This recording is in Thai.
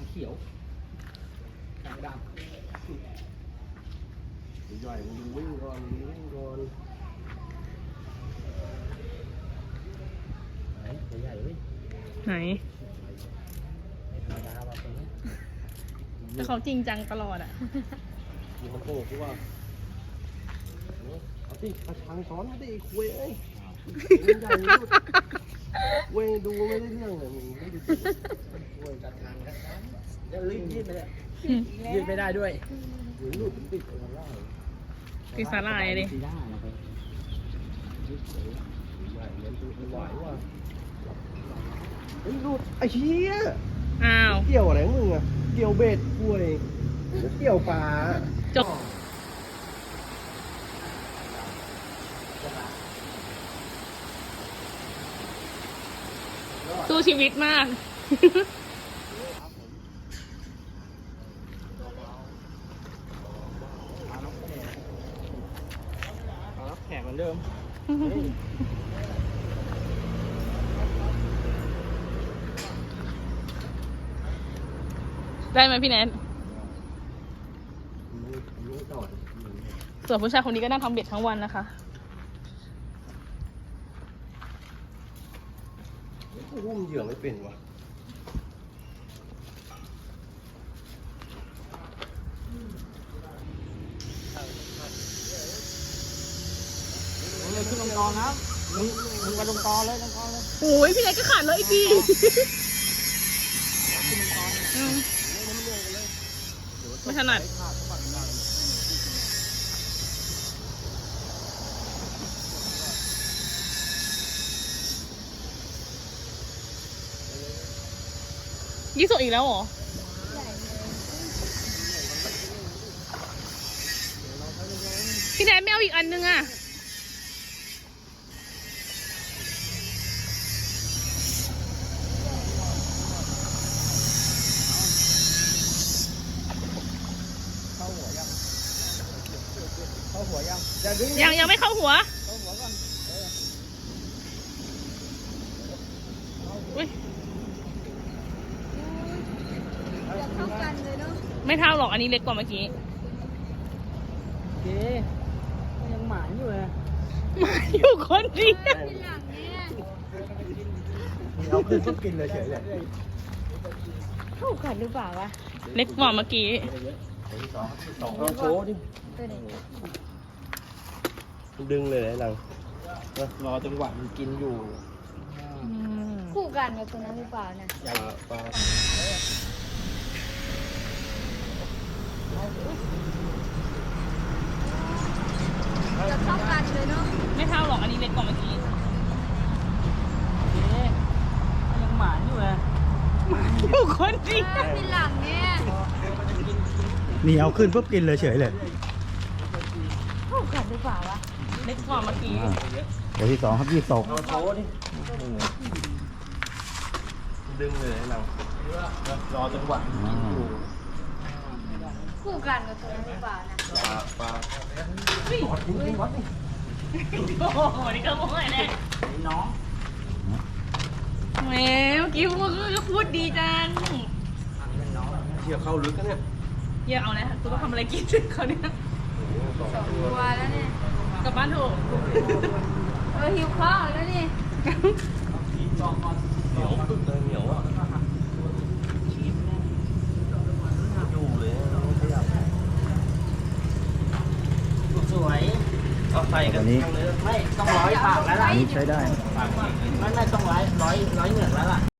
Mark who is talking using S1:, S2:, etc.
S1: เขียวแขกดำใหญ่มึงวิ่งก่อนวิ่งก่อนไหนใหญ่เว้ย
S2: ไหน
S1: ธรรมดาว่ะตัวนี้
S2: แต่เขาจริงจังตลอดอ่ะ
S1: มีคนโกงกูว่าเอาสิกระชังซ้อนไม่ได้คุยเอ้ยใหญ่ลูกเว้ยดูไม่ได้เรื่องเลยมึงไม่ดูเว้ยกระชังเดี๋ยวรีบยืดไปเลยยืดไม่ได้ด้วยหรือลูกติดอะไรล่ะ
S2: ติดสาลายเลย
S1: ใหญ่เล่นตัวไหวว่ะไอ้ลูกไอ้เหี้ย
S2: อ้าว
S1: เกี่ยวอะไรมึงอะเกี่ยวเบ็ดกล้วยเกี่ยวปลา
S2: จบสู้ชีวิตมาก
S1: แขกเหมือนเดิม
S2: ได้ไหมพี่แนนส่วนผู้ชายคนนี้ก็นั่งทำเบ็ดทั้งวันนะคะ
S1: หุ้มเหยื่อไม่เป็นวะเลยขึ้นลงกองครับมึงไปลงกองเลยลงกองเลย
S2: โอ้ยพี่แนนก็ขาดเลยดีไม่ถนัดยี่สุอีกแล้วเหรอพี่แนนไม่เอาอีกอันนึงอ่ะ
S1: เข้าหัว
S2: ยังไม่เข้าหัวอุ้ย
S3: เท่ากันเลยเนาะ
S2: ไม่เท่าหรอกอันนี้เล็กกว่าเมื่อกี้
S1: เจ๊ยังหมานอยู่เลย
S2: หมาอยู่คนเดียว
S1: เอาขึ้นก็กินเลยเฉยเลย
S3: เท่ากันหรือเปล่าวะ
S2: เล็กกว่าเมื่อกี้
S1: สองโชว์ดิดึงเลยหลังรอจังหวะมันกินอยู่
S3: คู่กันกับตัวนั้นหรือเปล่านะ
S1: ใหญ่ปลา
S3: จะเท่ากันเลยเนาะ
S2: ไม่เท่าหรอกอันนี้เล็กกว่าเมื่อกี้
S1: ยังหมานอยู่เลย
S2: อยู่คนเดียว
S3: เป็นหลังเนี่ย
S1: นี่เอาขึ้นปุ๊บกินเลยเฉยเลย
S3: เท่ากันหรือเปล่าวะ
S2: เล็กกว่าเมื่อกี้
S1: เดี๋ยวที่สองครับยี่สองโชว์ดิดึงเลยเรารอจังหวะกินอยู่
S3: คู่กันกับตัวนั้นหรือเปล่านะ
S1: ปลา
S2: วัดนี่วัดนี่โอ้โหนี่ก็โม้ยแน่
S1: น้อง
S2: แหมเมื่อกี้พูดดีจัง
S1: เชี่ยวเข้าลึกกันเนี่ย
S2: เยี่ยเอาเลยตัวก็ทำอะไรกินเขาเนี่ย
S3: สองตัวแล้วเนี่ย
S2: กลับบ้านถูก
S3: หิวข้าวแล้วนี่
S1: เหนียวตึ๊ดเลยเหนียวอ่ะอยู่เลยสวยเอาใส่กันนี้ไม่ต้อง100 ปากแล้วล่ะ
S4: นี่ใช้ได้
S1: ไม่ต้อง100เหนือกแล้วล่ะ